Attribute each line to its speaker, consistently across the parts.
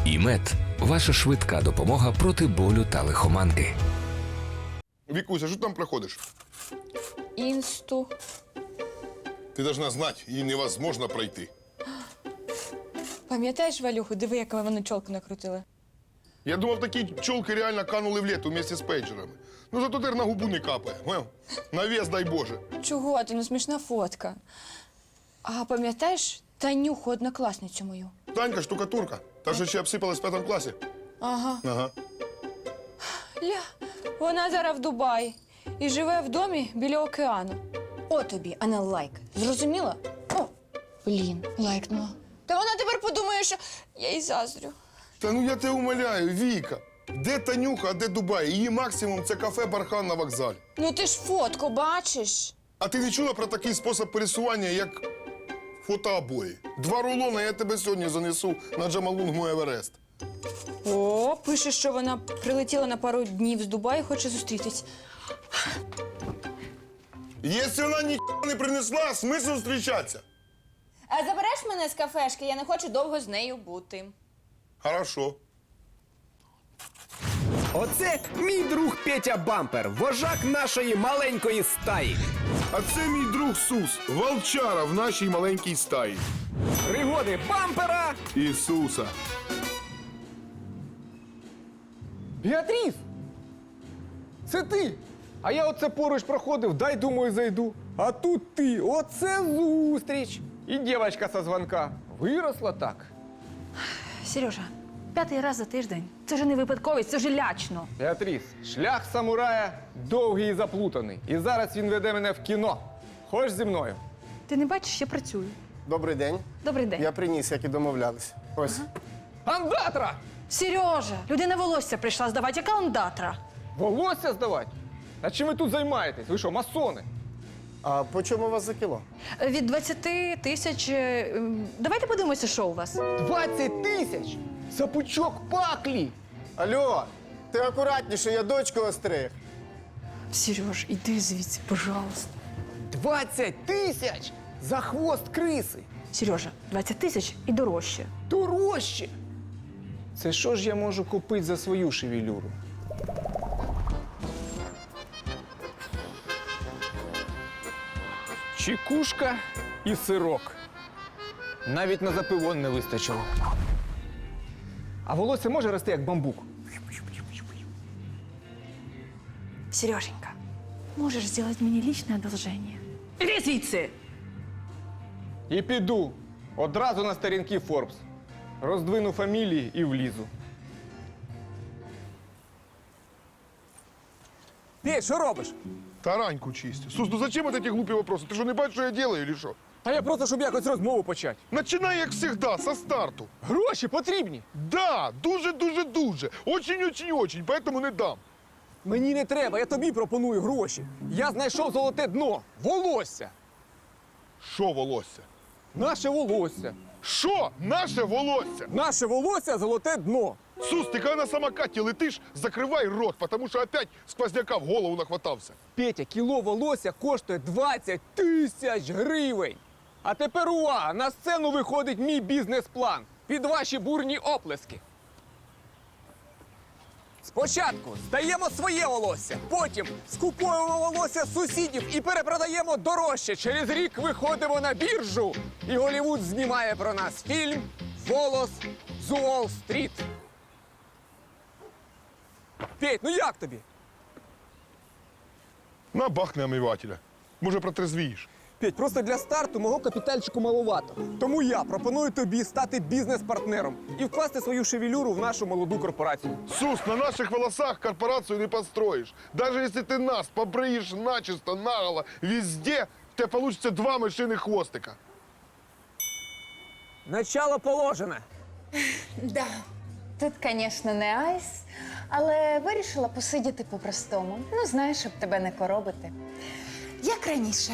Speaker 1: ІМЕД – ваша швидка допомога проти болю та лихоманки.
Speaker 2: Вікуся, що ти там проходиш?
Speaker 3: Інсту.
Speaker 2: Ти должна знати, її невозможно пройти.
Speaker 3: Пам'ятаєш, Валюху, диви, як вони чолку накрутили?
Speaker 2: Я думав, такі чолки реально канули в лету вместе з пейджерами. Ну зато тепер на губу не капає. Поняв? На вес, дай Боже.
Speaker 3: Чого ти? Ну смішна фотка. А пам'ятаєш Танюху, однокласницю мою?
Speaker 2: Танька, штукатурка. Та, що ще обсипалась в 5 класі.
Speaker 3: Ага.
Speaker 2: Ага.
Speaker 3: Ля, вона зараз в Дубаї і живе в домі біля океану. О тобі, а не лайк. Зрозуміла? О, блін, лайкнула. Та вона тепер подумає, що я їй заздрю.
Speaker 2: Та ну я тебе умоляю, Віка. Де Танюха, а де Дубай? Її максимум – це кафе «Бархан» на вокзалі.
Speaker 3: Ну ти ж фотку бачиш.
Speaker 2: А ти не чула про такий спосіб пересування, як фотообої? 2 рулони я тебе сьогодні занесу на Джамалунгму Еверест.
Speaker 3: О, пише, що вона прилетіла на пару днів з Дубаю і хоче зустрітись.
Speaker 2: Якщо вона ніхто не принесла, смисл зустрічатися?
Speaker 3: А забереш мене з кафешки? Я не хочу довго з нею бути.
Speaker 2: Хорошо.
Speaker 4: Оце мій друг Петя Бампер, вожак нашої маленької стаї.
Speaker 2: А це мій друг Сус, волчара в нашій маленькій стаї.
Speaker 4: Пригоди Бампера.
Speaker 2: Ісуса.
Speaker 5: Біатріс! Це ти! А я оце поруч проходив, дай, думаю, зайду. А тут ти, оце зустріч! І дівчинка со дзвонка. Виросла так.
Speaker 6: Сережа, 5-й раз за тиждень. Це ж не випадковість, це ж лячно.
Speaker 5: Біатріс, шлях самурая довгий і заплутаний. І зараз він веде мене в кіно. Хочеш зі мною?
Speaker 6: Ти не бачиш, я працюю.
Speaker 7: Добрий день.
Speaker 6: Добрий день.
Speaker 7: Я приніс, як і домовлялись. Ось.
Speaker 5: Андатра!
Speaker 6: Сережа, людина волосся прийшла здавати, яка ондатра.
Speaker 5: Волосся здавати? А чим ви тут займаєтесь? Ви що, масони?
Speaker 7: А по чому у вас за кіло?
Speaker 6: Від 20 тисяч. Давайте подивимося, що у вас.
Speaker 5: 20 тисяч! За пучок паклі!
Speaker 7: Алло, ти акуратніше, я дочку остриг.
Speaker 6: Сереж, іди звідси, пожалуйста.
Speaker 5: 20 тисяч! За хвост криси!
Speaker 6: Сережа, 20 тисяч і дорожче.
Speaker 5: Дорожче! Це що ж я можу купити за свою шевелюру? Чекушка і сирок. Навіть на запивон не вистачило. А волосся може рости як бамбук?
Speaker 6: Сереженька, можеш зробити мені личне одолження? Іди звідси!
Speaker 5: І піду. Одразу на сторінки Forbes. Роздвину фамілії і влізу. Ти що робиш?
Speaker 2: Тараньку чистю. Сус, ну зачем вот эти глупые вопросы? Ты что, не бачиш, що я делаю, или що?
Speaker 5: А я просто, щоб якось розмову почати.
Speaker 2: Начинай, як всегда, со старту.
Speaker 5: Гроші потрібні.
Speaker 2: Да, дуже. Очень, поэтому не дам.
Speaker 5: Мені не треба, я тобі пропоную гроші. Я знайшов золоте дно. Волосся.
Speaker 2: Що волосся?
Speaker 5: Наше волосся.
Speaker 2: Що? Наше волосся?
Speaker 5: Наше волосся золоте дно.
Speaker 2: Сус, ти коли на самокаті летиш, закривай рот, тому що опять сквозняка в голову нахватався.
Speaker 5: Петя, кіло волосся коштує 20 тисяч гривень. А тепер увага! На сцену виходить мій бізнес-план. Під ваші бурні оплески. Спочатку здаємо своє волосся, потім скуповуємо волосся сусідів і перепродаємо дорожче. Через рік виходимо на біржу. І Голлівуд знімає про нас фільм «Волос з Уолл-стріт». Петь, ну як тобі?
Speaker 2: На бахне омивателя. Може, протрезвієш.
Speaker 5: Петь, просто для старту мого капітальчику маловато. Тому я пропоную тобі стати бізнес-партнером і вкласти свою шевелюру в нашу молоду корпорацію.
Speaker 2: Сус, на наших волосах корпорацию не построишь. Даже если ты нас побреешь начисто, наголо, везде, у тебя получится 2 мышиных хвостика.
Speaker 5: Начало положено.
Speaker 8: Да, тут, звісно, не айс, але вирішила посидіти по-простому. Ну, знаєш, щоб тебе не коробити. Як раніше.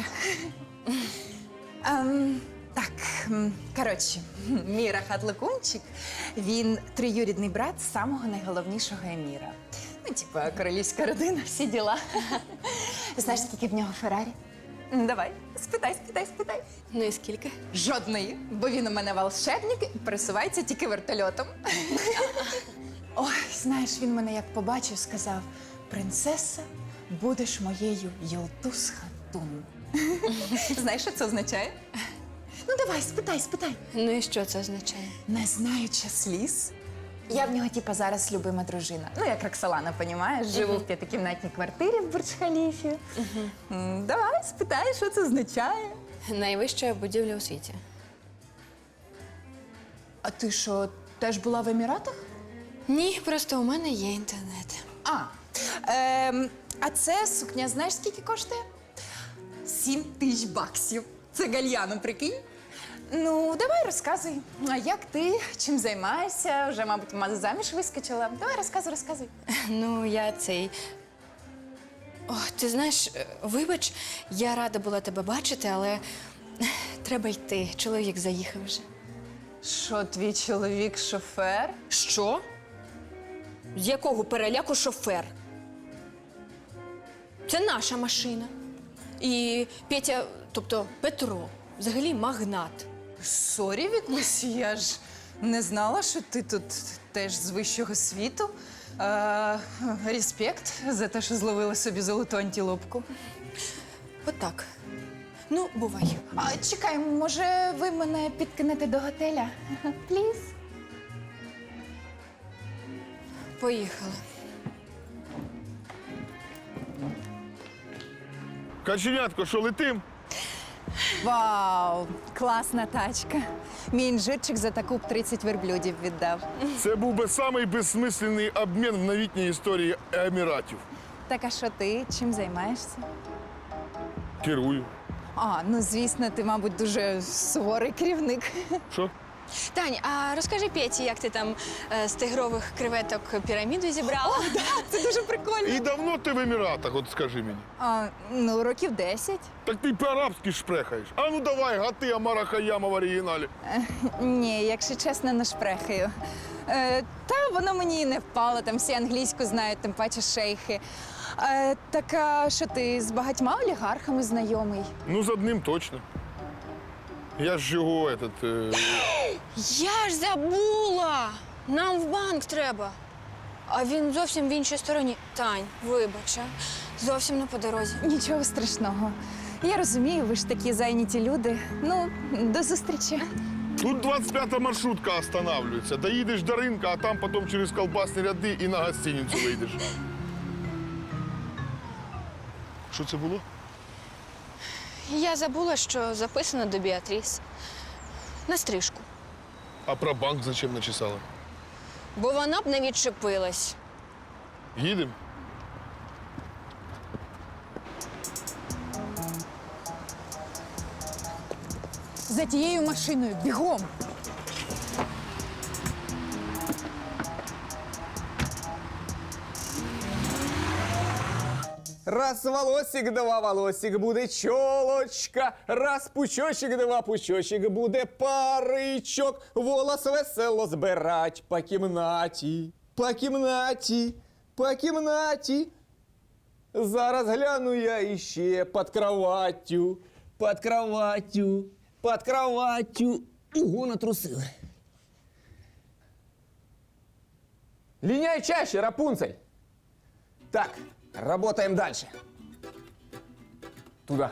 Speaker 8: Так, коротше, мій рахат-лакунчик, він троюрідний брат самого найголовнішого еміра. Ну, типа, королівська родина, всі діла. Знаєш, скільки в нього Феррарі? Давай, спитай.
Speaker 3: Ну і скільки?
Speaker 8: Жодної, бо він у мене волшебник і пересувається тільки вертольотом. Ой, знаєш, він мене як побачив, сказав: принцеса, будеш моєю Йолтус Хатун. Знаєш, що це означає? Ну давай, спитай.
Speaker 3: Ну і що це означає?
Speaker 8: Не знаючи сліз. Я в нього, типа, зараз любима дружина. Ну, як Роксолана, понімаєш? Живу в п'ятикімнатній квартирі в Бурдж-Халіфі. Давай, спитай, що це означає.
Speaker 3: Найвища будівля у світі.
Speaker 8: А ти що, теж була в Еміратах?
Speaker 3: Ні, просто у мене є інтернет.
Speaker 8: А це сукня, знаєш, скільки коштує? 7 тисяч баксів. Це гальяно, прикинь. Ну, давай розказуй. А як ти? Чим займаєшся? Вже, мабуть, заміж вискочила. Давай, розказуй.
Speaker 3: Ну, я цей. О, ти знаєш, вибач, я рада була тебе бачити, але треба йти. Чоловік заїхав вже.
Speaker 8: Що, твій чоловік шофер?
Speaker 3: Що? З якого переляку шофер? Це наша машина. І Петя, тобто Петро, взагалі магнат.
Speaker 8: Сорі, Вікусь, я ж не знала, що ти тут теж з вищого світу. Респект за те, що зловила собі золоту антилопку.
Speaker 3: Отак. Ну, бувай.
Speaker 8: Чекай, може, ви мене підкинете до готеля? Пліз?
Speaker 3: Поїхали.
Speaker 2: Каченятко, що летим?
Speaker 8: Вау, класна тачка. Мій інжирчик за таку б 30 верблюдів віддав.
Speaker 2: Це був би самий безсмисленний обмін в новітній історії Еміратів.
Speaker 8: Так, а що ти? Чим займаєшся?
Speaker 2: Керую.
Speaker 8: Ну звісно, ти, мабуть, дуже суворий керівник.
Speaker 2: Що?
Speaker 3: Тань, а розкажи Петі, як ти там з тигрових креветок піраміду зібрала?
Speaker 8: Це дуже прикольно.
Speaker 2: І давно ти в Еміратах, от скажи мені.
Speaker 8: Ну, років 10.
Speaker 2: Так ти по-арабськи шпрехаєш. А ну давай, гати Амара Хаяма в оригіналі.
Speaker 8: Ні, якщо чесно, не шпрехаю. Та воно мені і не впало, там всі англійську знають, тим паче шейхи. Так, а що ти з багатьма олігархами знайомий?
Speaker 2: Ну, з одним точно. Я ж його,
Speaker 3: Я ж забула! Нам в банк треба. А він зовсім в іншій стороні. Тань, вибач, зовсім не по дорозі.
Speaker 8: Нічого страшного. Я розумію, ви ж такі зайняті люди. Ну, до зустрічі.
Speaker 2: Тут 25-та маршрутка останавливається. Доїдеш до ринка, а там потім через колбасні ряди і на гостиницю вийдеш. Що це було?
Speaker 3: Я забула, що записано до Біатріс. На стрижку.
Speaker 2: А про банк зачем начесала?
Speaker 3: Бо вона б не відчепилась.
Speaker 2: Їдемо?
Speaker 8: За тією машиною, бігом!
Speaker 5: Раз волосик, два волосик, буде чолочка. Раз пучочок, два пучочок, буде паричок. Волос весело збирать по кімнаті, по кімнаті, по кімнаті. Зараз гляну я іще під кроваттю, під кроваттю, під кроваттю. Ого, натрусили. Линяй чаще, Рапунцель. Так, работаем дальше. Туда.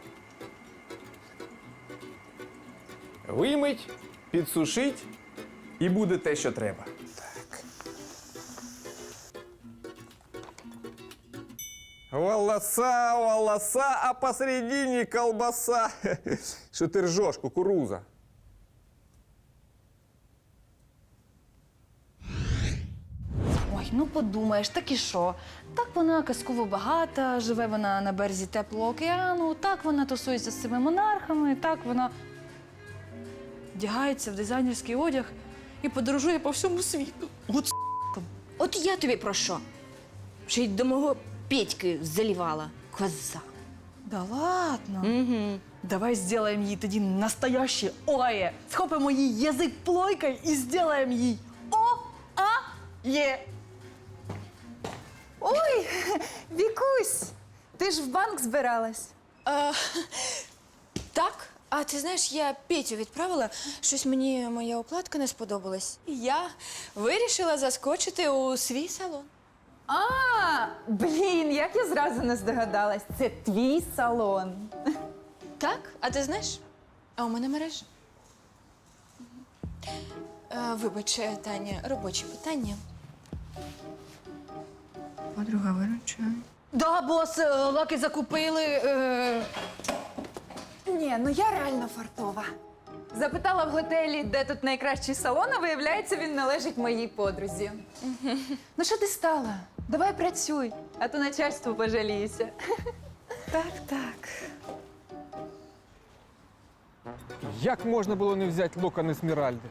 Speaker 5: Вимить, підсушить і буде те, що треба. Так. Волоса, волоса, а посередині колбаса. Що ти ржеш, кукуруза?
Speaker 6: Ой, ну подумаєш, так і що? Так вона казково багата, живе вона на березі теплого океану, так вона тусується з цими монархами, так вона вдягається в дизайнерський одяг і подорожує по всьому світу.
Speaker 3: От я тобі про що? Ще й до мого Петьки залівала. Коза.
Speaker 6: Да ладно?
Speaker 3: Угу.
Speaker 6: Давай сделаем їй тоді настояще ОАЕ. Схопимо їй язик плойкою і сделаем їй ОАЕ.
Speaker 8: Ой, Вікусь, ти ж в банк збиралась.
Speaker 3: Так, а ти знаєш, я Петю відправила, щось мені моя укладка не сподобалась. І я вирішила заскочити у свій салон.
Speaker 8: А, блін, як я зразу не здогадалась. Це твій салон.
Speaker 3: Так, а ти знаєш? А у мене мережа. Вибач, Таня, робочі питання. Подруга виручає.
Speaker 6: Да, бос, лаки закупили.
Speaker 8: Ні, ну я реально фартова. Запитала в готелі, де тут найкращий салон, а виявляється, він належить моїй подрузі. Ну що ти стала? Давай працюй, а то начальству пожалієшся. Так.
Speaker 5: Як можна було не взяти локон Есмеральди?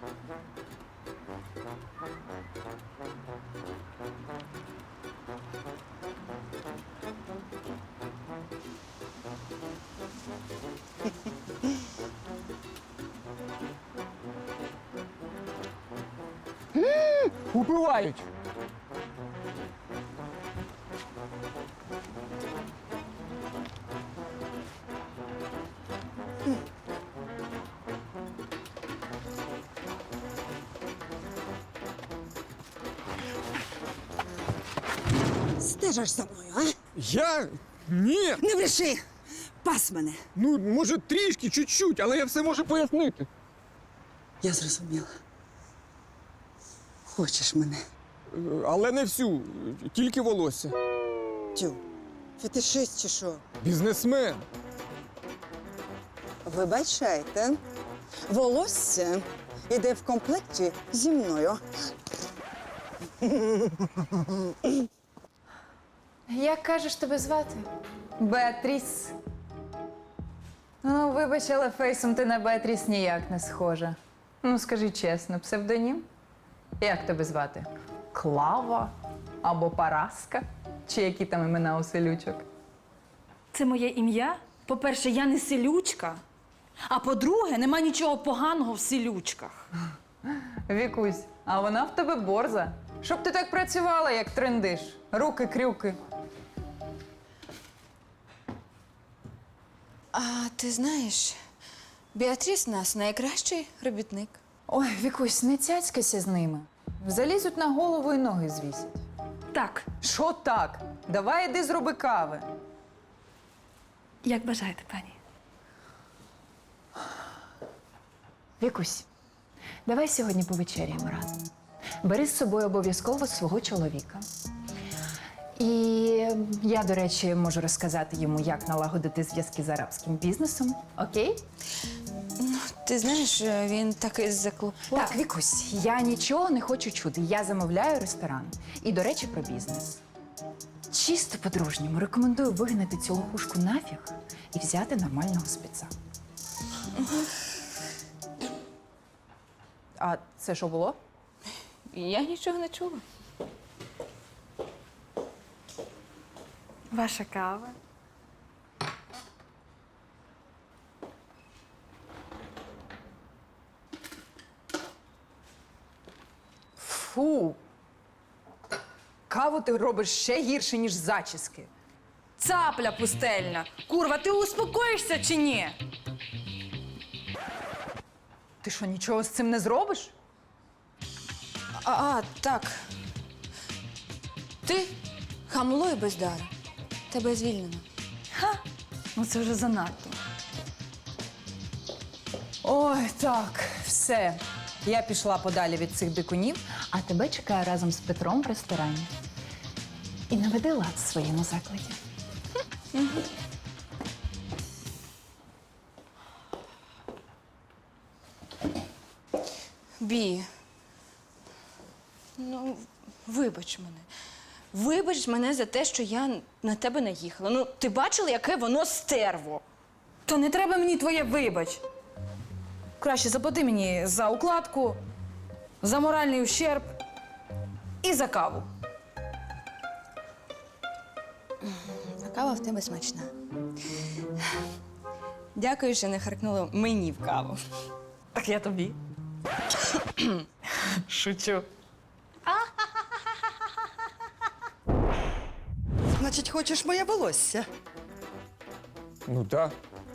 Speaker 5: Убивають!
Speaker 9: Стежиш за мною, а?
Speaker 5: Я? Ні!
Speaker 9: Не бреши! Пас мене.
Speaker 5: Ну, може, трішки, чуть-чуть, але я все можу пояснити.
Speaker 9: Я зрозуміла. Хочеш мене?
Speaker 5: Але не всю, тільки волосся.
Speaker 9: Тю, фетишист чи що?
Speaker 5: Бізнесмен.
Speaker 9: Вибачайте. Волосся іде в комплекті зі мною.
Speaker 8: Як кажеш тебе звати? Беатріс. Ну, вибач, але фейсом ти на Беатріс ніяк не схожа. Ну, скажи чесно, псевдонім? Як тебе звати? Клава? Або Параска? Чи які там імена у селючок?
Speaker 6: Це моє ім'я. По-перше, я не селючка. А по-друге, нема нічого поганого в селючках.
Speaker 8: Вікусь, а вона в тебе борза. Щоб ти так працювала, як трендиш. Руки-крюки.
Speaker 3: А ти знаєш, Біатріс у нас найкращий робітник.
Speaker 8: Ой, Вікусь, не цяцькайся з ними. Залізуть на голову і ноги звісять.
Speaker 6: Так,
Speaker 8: Що так? Давай іди зроби кави.
Speaker 6: як бажаєте, пані.
Speaker 8: Вікусь, давай сьогодні повечеряємо разом. Бери з собою обов'язково свого чоловіка. І я, до речі, можу розказати йому, як налагодити зв'язки з арабським бізнесом. Окей?
Speaker 3: Ти знаєш, він такий заклопотаний.
Speaker 8: Так, Вікусь, я нічого не хочу чути. Я замовляю ресторан. І, до речі, про бізнес. Чисто по-дружньому рекомендую вигнати цю лохушку нафіг і взяти нормального спеца. А це що було?
Speaker 3: Я нічого не чула.
Speaker 6: Ваша кава.
Speaker 8: Фу. Каву ти робиш ще гірше, ніж зачіски.
Speaker 6: Цапля пустельна. Курва, ти успокоїшся чи ні?
Speaker 8: Ти що, нічого з цим не зробиш?
Speaker 3: Так. Ти хамло і бездара. Тебе звільнено.
Speaker 6: Ну це вже занадто.
Speaker 8: Ой, так, все. Я пішла подалі від цих дикунів, а тебе чекаю разом з Петром в ресторані. І наведи лад в своєму закладі.
Speaker 3: Бі. Ну, вибач мене. Вибач мене за те, що я на тебе наїхала. Ну, ти бачила, яке воно стерво?
Speaker 6: То не треба мені твоє вибач. Краще заплати мені за укладку, за моральний ущерб і за каву.
Speaker 3: Кава в тебе смачна. Дякую, що не харкнула мені в каву.
Speaker 6: Так я тобі. Шучу.
Speaker 9: Значить, хочеш моє волосся?
Speaker 5: Ну так.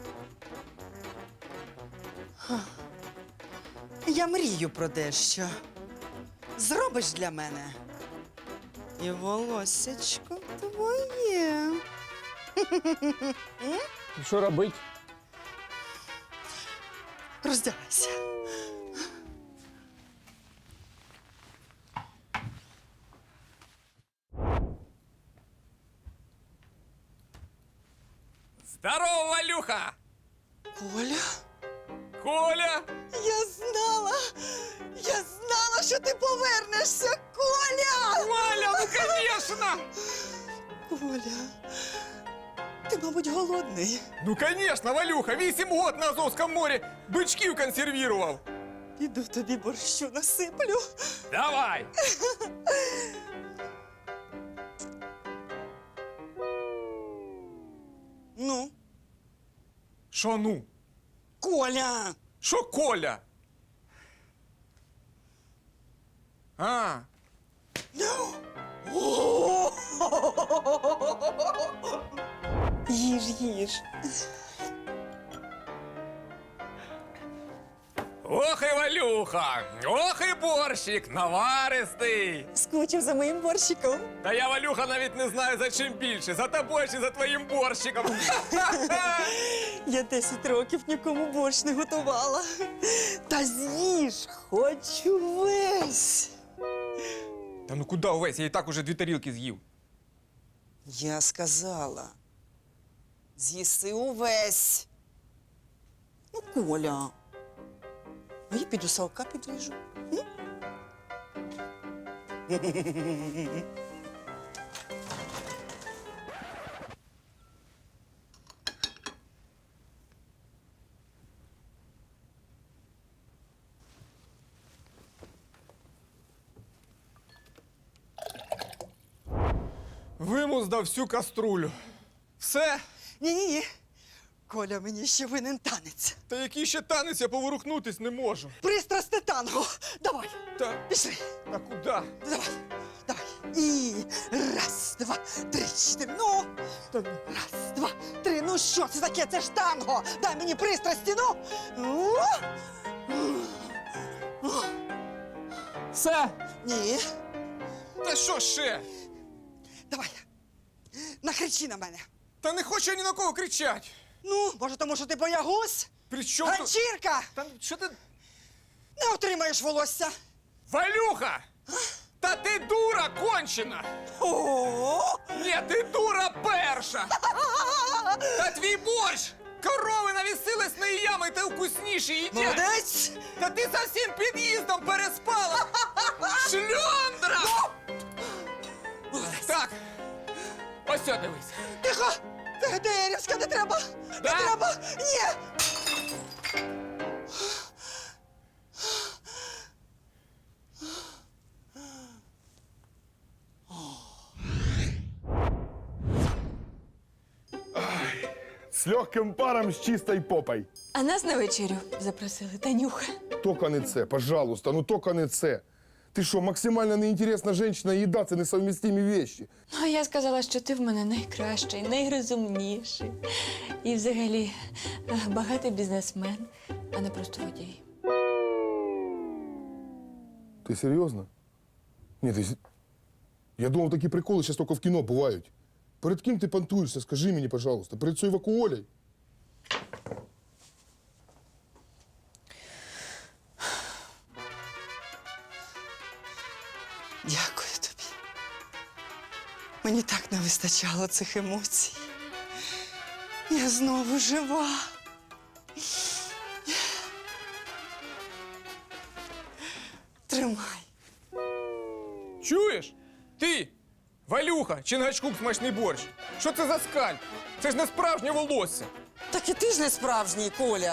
Speaker 9: Я мрію про дещо. Зробиш для мене. І волоссячко твоє.
Speaker 5: І що робить?
Speaker 9: Роздягайся.
Speaker 5: Здорово, Валюха!
Speaker 9: Коля,
Speaker 5: Коля!
Speaker 9: я знала, що ти повернешся, Коля!
Speaker 5: Валя, ну конечно!
Speaker 9: Коля, ти, мабуть, голодний.
Speaker 5: Ну конечно, Валюха, 8 год на Азовському морі бичків консервував.
Speaker 9: Іду тобі борщу насиплю.
Speaker 5: Давай!
Speaker 9: Ну,
Speaker 5: Що ну?
Speaker 9: Коля!
Speaker 5: Що Коля? А,
Speaker 9: Їж.
Speaker 5: ох і Валюха, ох і борщик, наваристий.
Speaker 9: Скучив за моїм борщиком.
Speaker 5: Та я, Валюха, навіть не знаю, за чим більше, за тобою чи за твоїм борщиком.
Speaker 9: Я 10 років нікому борщ не готувала. Та з'їж, хочу весь.
Speaker 5: Та ну куди увесь, я і так уже 2 тарілки з'їв.
Speaker 9: Я сказала, з'їси увесь. Ну, Коля, а я піду салка підріжу. М?
Speaker 5: Вимуздав всю каструлю. Все?
Speaker 9: Ні. Коля мені ще винен танець.
Speaker 5: Та який ще танець, я поворухнутись не можу.
Speaker 9: Пристрасне танго. Давай,
Speaker 5: Та,
Speaker 9: пішли.
Speaker 5: та куди?
Speaker 9: Давай. І раз, два, три, чотири. Ну. Раз, два, три. Ну що це таке? Це ж танго. Дай мені пристрасті, ну.
Speaker 5: Все?
Speaker 9: Ні.
Speaker 5: Та що ще?
Speaker 9: Давай. Накричи на мене.
Speaker 5: Та не хочу я ні на кого кричать.
Speaker 9: Ну, може, тому що ти боягуз?
Speaker 5: При чому тут?
Speaker 9: Ганчірка!
Speaker 5: Та що ти...
Speaker 9: Не отримаєш волосся.
Speaker 5: Валюха! Та ти дура кончена!
Speaker 9: О!
Speaker 5: Ні, ти дура перша! Та твій борщ! Корови навісились на її ями, та вкусніші їдять!
Speaker 9: Молодець!
Speaker 5: Та ти за всім під'їздом переспала! Шльондра! Так, ось сьо, дивись.
Speaker 9: Тихо! Деревська, не треба! Не
Speaker 5: Да?
Speaker 9: треба! Ні!
Speaker 2: С легким паром, с чистой попой.
Speaker 3: А нас на вечерю запросили, Танюха.
Speaker 2: Тільки не це, пожалуйста, ну тільки не це. Ти що, максимально неінтересна жінка і їда – це несовмістимі вещи.
Speaker 3: Ну, а я сказала, що ти в мене найкращий, найрозумніший. І взагалі багатий бізнесмен, а не просто водій.
Speaker 2: Ти серйозно? Ні, ти... Я думав, такі приколи зараз тільки в кіно бувають. Перед ким ти понтуєшся, скажи мені, пожалуйста. Перед цією Вакуолею?
Speaker 9: Дякую тобі. Мені так не вистачало цих емоцій. Я знову жива. Тримай.
Speaker 5: Чуєш? Ти, Валюха, Чингачгук смачний борщ. Що це за скальп? Це ж не справжнє волосся.
Speaker 9: Так і ти ж не справжній, Коля.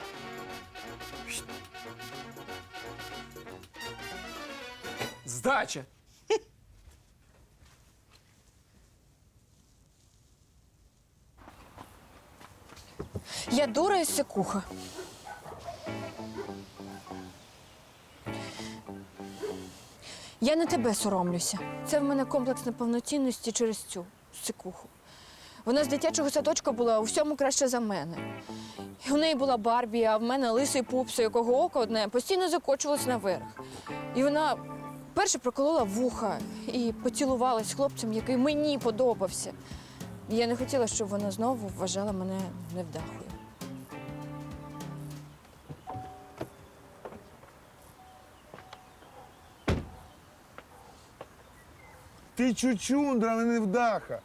Speaker 5: Здача.
Speaker 3: Я дура і сикуха. Я на тебе соромлюся. Це в мене комплекс неповноцінності через цю сикуху. Вона з дитячого садочка була у всьому краще за мене. І у неї була Барбі, а в мене лисий пупс, у якого око одне постійно закочувалось наверх. І вона перше проколола вуха і поцілувалась з хлопцем, який мені подобався. І я не хотіла, щоб вона знову вважала мене невдахою.
Speaker 2: Ти чучундра, а не невдаха.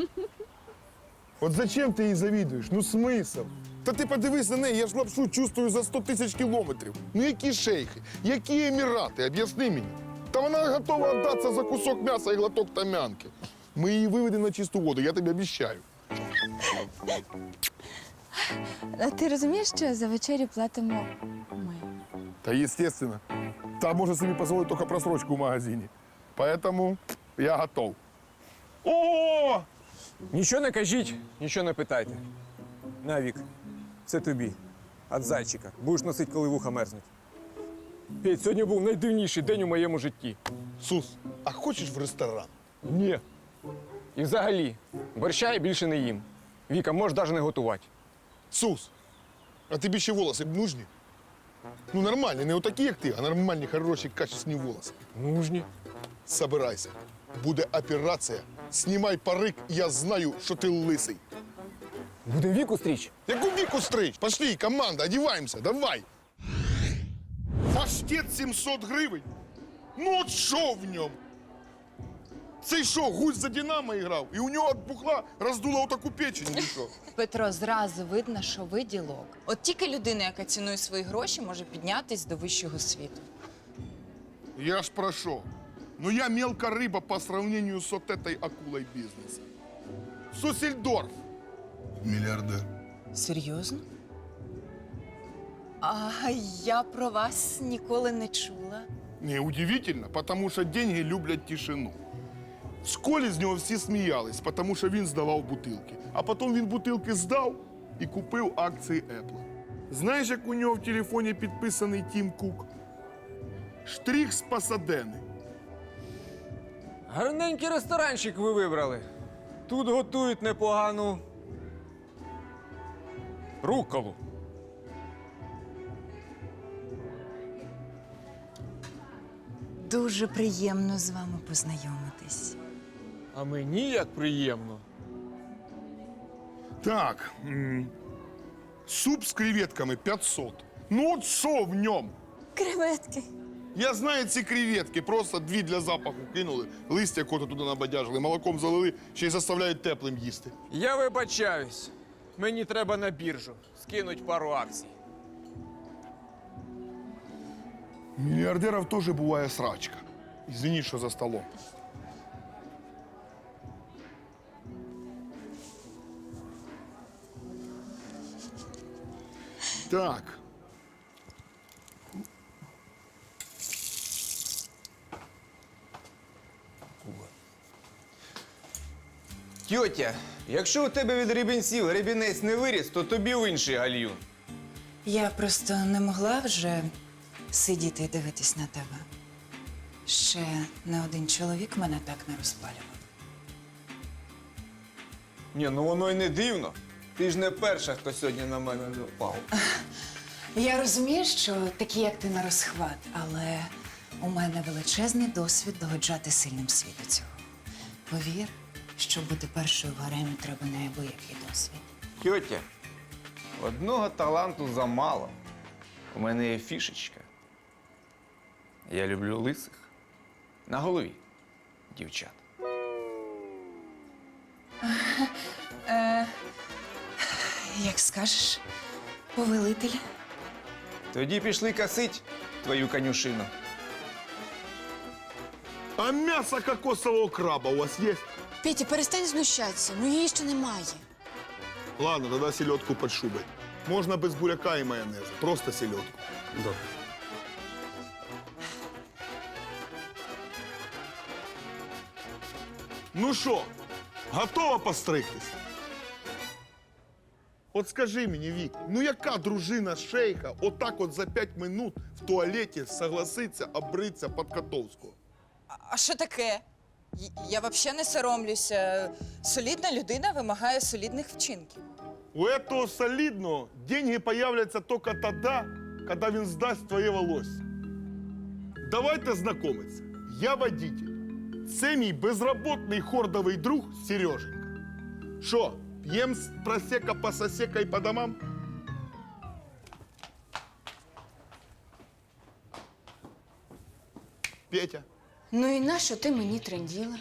Speaker 2: От зачем ти їй завідуєш? Ну смисл? Та ти подивись на неї, я ж лапшу чувствую за 100 тисяч кілометрів. Ну які шейхи, які емірати, об'ясни мені. Та вона готова віддатися за кусок м'яса і глоток тамянки. Ми її виведемо на чисту воду, я тобі обіцяю.
Speaker 3: А ти розумієш, що за вечерю платимо ми?
Speaker 2: Та естественно. Та може собі дозволити тільки просрочку в магазині. Поэтому я готов. О!
Speaker 5: Нічого не кажіть, нічого не питайте. На, Вік, це тобі. От зайчика. Будеш носити, коли вуха мерзнуть. Петь, сьогодні був найдивніший день у моєму житті.
Speaker 2: Сус, а хочеш в ресторан?
Speaker 5: Ні. І взагалі, борща я більше не їм. Віка, можеш навіть не готувати.
Speaker 2: Сус, а тобі ще волоси б нужні? Ну нормальні, не отакі, як ти, а нормальні, хороші, качественні волоси.
Speaker 5: Нужні.
Speaker 2: Собирайся. Буде операція. Знімай парик, я знаю, що ти лисий.
Speaker 5: Будемо Віку стріч?
Speaker 2: Яку віку стрич? Пошли, команда, одіваємося, давай. Паштет 700 гривень? Ну от що в ньому? Цей що, гусь за Динамо грав? І у нього від бухла роздуло отаку печень, чи що?
Speaker 8: Петро, зразу видно, що ви ділок. От тільки людина, яка цінує свої гроші, може піднятись до вищого світу.
Speaker 2: Я ж про що? Ну я мелка риба по сравнению с вот этой акулой бизнеса. Сусельдорф. Миллиардер.
Speaker 8: Серйозно? А я про вас ніколи не чула.
Speaker 2: Неудивительно, потому что деньги люблять тишину. В школі з нього всі сміялись, тому що він здавав бутилки. А потім він бутилки здав і купив акції Apple. Знаєш, як у нього в телефоні підписаний Тім Кук? Штрих з Пасадени.
Speaker 5: Гарненький ресторанчик ви вибрали. Тут готують непогану рукколу.
Speaker 8: Дуже приємно з вами познайомитись.
Speaker 5: А мені як приємно.
Speaker 2: Так, суп з креветками 500. Ну от що в ньому?
Speaker 3: Креветки.
Speaker 2: Я знаю ці креветки, просто дві для запаху кинули, листя кота туди набадяжили, молоком залили, ще й заставляють теплим їсти.
Speaker 5: Я вибачаюсь. Мені треба на біржу. Скинуть пару акцій.
Speaker 2: У мільярдерів теж буває срачка. Извини, що за столом. Так.
Speaker 4: Тьотя, якщо у тебе від рібінців рібінець не виріс, то тобі в інший гальюн.
Speaker 8: Я просто не могла вже сидіти і дивитись на тебе. Ще не один чоловік мене так не розпалював.
Speaker 5: Ні, ну воно й не дивно. Ти ж не перша, хто сьогодні на мене напав.
Speaker 8: Я розумію, що такі, як ти, на розхват, але у мене величезний досвід догоджати сильним світу цього. Повір, щоб бути першою в гаремі, треба неабиякий досвід.
Speaker 4: Тьотя, одного таланту замало. У мене є фішечка. Я люблю лисих. На голові дівчат.
Speaker 8: Як скажеш, повелитель.
Speaker 4: Тоді пішли косить твою конюшину.
Speaker 2: А м'ясо кокосового краба у вас є?
Speaker 3: Петя, перестань знущатися, ну її ще немає.
Speaker 2: Ладно, тогда селедку под шубой. Можно без буряка и майонеза. Просто селедку. Да. Ну що, готова постригтись? От скажи мені, Вік, ну яка дружина шейха отак от за 5 минут в туалеті согласиться обритися під Котовського?
Speaker 8: А що таке? Я взагалі не соромлюся. Солідна людина вимагає солідних вчинків.
Speaker 2: У этого солидного деньги появляться только тогда, когда він здасть твоє волосся. Давайте знайомитися. Я водитель. Це мій безробітний хордовий друг Сереженька. Що, п'єм з просека по сосека і по домам? Петя.
Speaker 3: Ну і нащо ти мені тренділа?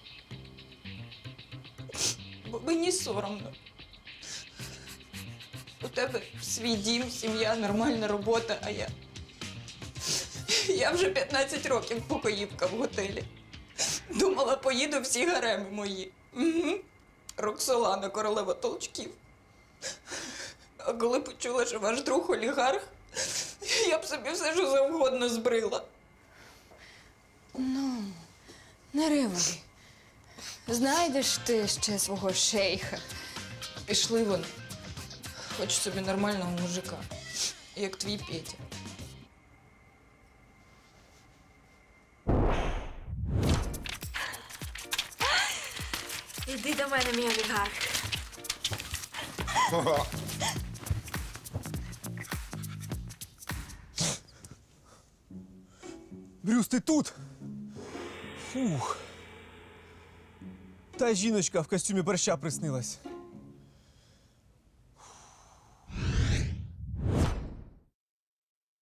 Speaker 8: Бо мені соромно. У тебе свій дім, сім'я, нормальна робота, а я. Я вже 15 років покоївка в готелі. Думала, поїду всі гареми мої. Угу. Роксолана, королева толчків. А коли почула, що ваш друг олігарх, я б собі все, що завгодно збрила.
Speaker 3: Не ривай. Знайдеш ти ще свого шейха.
Speaker 8: Пішли вони. Хоч собі нормального мужика, як твій Петя.
Speaker 3: Іди до мене, мій олігарх.
Speaker 5: Брюс, ти тут? Фух. Та жіночка в костюмі борща приснилась.